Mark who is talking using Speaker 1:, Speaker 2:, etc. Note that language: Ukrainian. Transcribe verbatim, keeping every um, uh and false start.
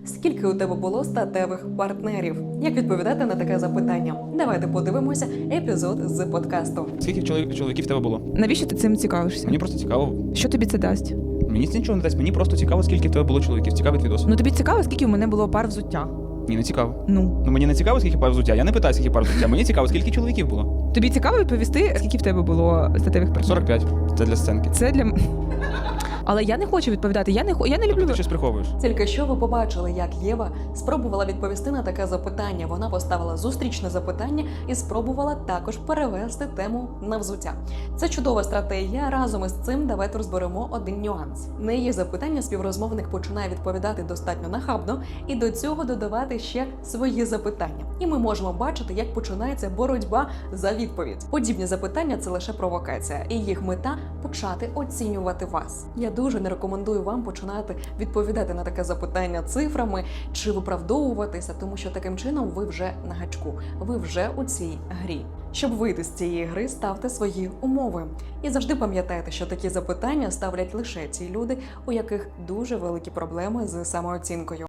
Speaker 1: скільки у тебе було статевих партнерів? Як відповідати на таке запитання? Давайте подивимося епізод з подкасту.
Speaker 2: Скільки чоловік, чоловіків в тебе було?
Speaker 3: Навіщо ти цим цікавишся?
Speaker 2: Мені просто цікаво.
Speaker 3: Що тобі це дасть?
Speaker 2: Мені це нічого не дасть. Мені просто цікаво, скільки в тебе було чоловіків. Цікавий відос.
Speaker 3: Ну тобі цікаво, скільки у мене було пар взуття?
Speaker 2: Ні, не цікаво.
Speaker 3: Ну.
Speaker 2: Ну мені не цікаво, скільки пар взуття. Я не питаю, скільки пар взуття. Мені цікаво, скільки чоловіків було.
Speaker 3: Тобі цікаво відповісти, скільки в тебе було статевих партнерів?
Speaker 2: сорок п'ять. Це для сценки.
Speaker 3: Це для... Але я не хочу відповідати. Я не, хо- я не
Speaker 2: Тобто
Speaker 3: люблю...
Speaker 2: ти щось приховуєш.
Speaker 1: Тільки що ви побачили, як Єва спробувала відповісти на таке запитання. Вона поставила зустрічне запитання і спробувала також перевести тему на взуття. Це чудова стратегія. Разом із цим давайте розберемо один нюанс. На її запитання співрозмовник починає відповідати достатньо нахабно і до цього додавати ще свої запитання. І ми можемо бачити, як починається боротьба за відповідь. Подібні запитання – це лише провокація, і їх мета – почати оцінювати вас. Я дуже не рекомендую вам починати відповідати на таке запитання цифрами чи виправдовуватися, тому що таким чином ви вже на гачку, ви вже у цій грі. Щоб вийти з цієї гри, ставте свої умови. І завжди пам'ятайте, що такі запитання ставлять лише ті люди, у яких дуже великі проблеми з самооцінкою.